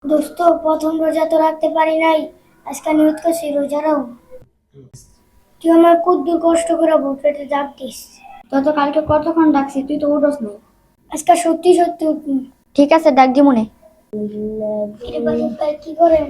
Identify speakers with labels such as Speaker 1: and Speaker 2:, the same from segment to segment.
Speaker 1: দোস্ত, প্রথম রোজা তো রাখতে পারি নাই। আজকে নিয়ত করছি রোজা রাখবো। তুই আমার কদ্দুর কষ্ট করে বুক পেটে চাপ দিস।
Speaker 2: তত কালকে কতক্ষণ ডাকছি, তুই তো উঠোস নাই।
Speaker 1: আজকে সত্যি সত্যি উঠবি।
Speaker 2: ঠিক আছে, ডাক দি মনে।
Speaker 1: কিরে বাজে ভাই, কি করেন?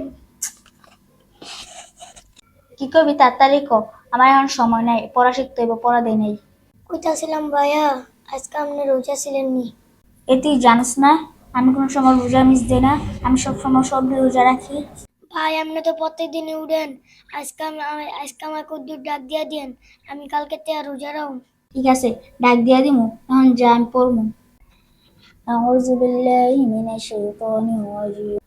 Speaker 2: কি করবি তাড়াতাড়ি ক, আমার এখন সময় নাই, পড়া শিখতে হইব, পড়া দেয় নাই।
Speaker 1: কইতাছিলাম ভাইয়া, আজকে আপনি রোজা ছিলেন নি?
Speaker 2: এ তুই জানিস না আমি কোনো সময় রোজা মিস দিই না, আমি সব সময় সব রোজা রাখি।
Speaker 1: ভাই, আপনি তো প্রত্যেক দিনই উঠেন। আজকে আমার কদ্দুর ডাক দিয়া দিয়েন, আমি কালকে তে রোজা রাখবো।
Speaker 2: ঠিক আছে, ডাক দিয়া দিমু, এখন যা আমি পড়মু। আউযু বিল্লাহি মিনাশ শাইতানির রাজিম।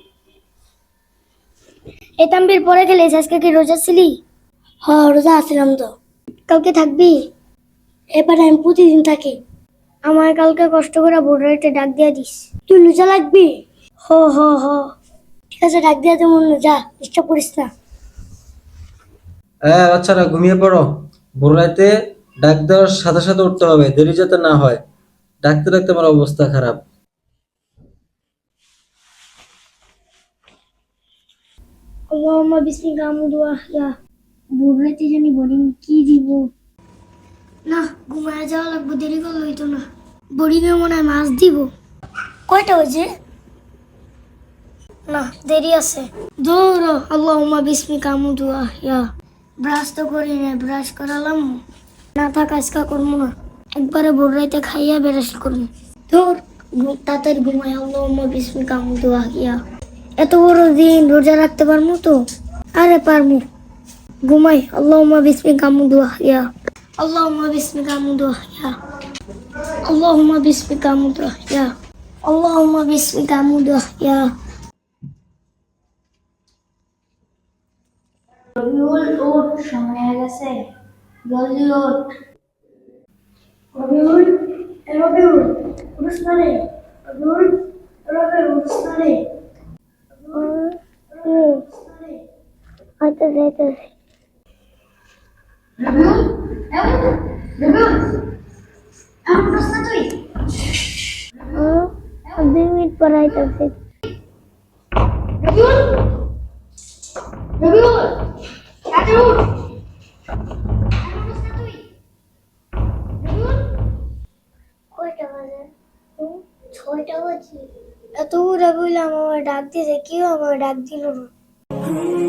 Speaker 1: এ তাম্বির পরে গেলে আজকে কি রোজা ছিলি? হ্যাঁ, রোজা আছিলাম তো। কালকে থাকবি? এবার আমি প্রতিদিন থাকি। আমার কালকে কষ্ট করে ভোর রাইতে ডাক দিয়া দিস। তুই রোজা লাগবি? হ হ হ। ঠিক আছে, ডাক দিয়া তেমন যা, ডিস্টার্ব করিস না।
Speaker 3: হ্যাঁ, বাচ্চারা ঘুমিয়ে পড়ো। ভোর রাতে ডাক দেওয়ার সাথে সাথে উঠতে হবে, দেরি যাতে না হয়। ডাকতে ডাকতে আমার অবস্থা খারাপ।
Speaker 1: আল্লাহুম্মা বিসমিকা আমুদু ওয়া আহইয়া। ভোর রাইতে জানি বোরিং কি দিব। না, ঘুমায় যাওয়া লাগবে, দেরি করলে হইতো না। বোরিং এ মনে হয় মাছ দিব। কয়টা বাজে? না, দেরি আছে। দৌড়ো। আল্লাহুম্মা বিসমিকা আমুদু ওয়া আহইয়া। ব্রাশ তো করি না, ব্রাশ করালাম না, থাক আজকা করবো না। একবারে ভোর রাইতে খাইয়া ব্রাশ করবো। ধর, তাড়াতাড়ি ঘুমাই। আল্লাহুম্মা বিসমিকা আমুদু ওয়া আহইয়া। এত বড় দিন রোজা রাখতে পারমু তো? আরে পারমু। ঘুমাই। আল্লাহুম্মা বিসমিকা আমুদু ওয়া আহইয়া। আল্লাহুম্মা বিসমিকা আমুদু ওয়া আহইয়া। আল্লাহুম্মা বিসমিকা আমুদু ওয়া আহইয়া। আল্লাহুম্মা বিসমিকা আমুদু ওয়া আহইয়া।
Speaker 2: রবিউল, উঠ, সময় হয়ে গেছে, জলদি উঠ।
Speaker 1: রবিউল, রবিউল, উঠোস না রে? রবিউল, রবিউল, উঠোস না রে? আইতাছে আইতাছে।
Speaker 2: রবিউল, রবিউল, এখন উঠোস না তুই?
Speaker 1: 2 মিনিট পর আইতাছে।
Speaker 2: রবিউল, রবিউল, তাড়াতাড়ি উঠ। এখন উঠোস না তুই? রবিউল,
Speaker 1: কয়টা বাজে? 6টা বাজে। এত উড়া বললাম, আমার ডাক দিয়েছে, কেউ আমার ডাক দিল না।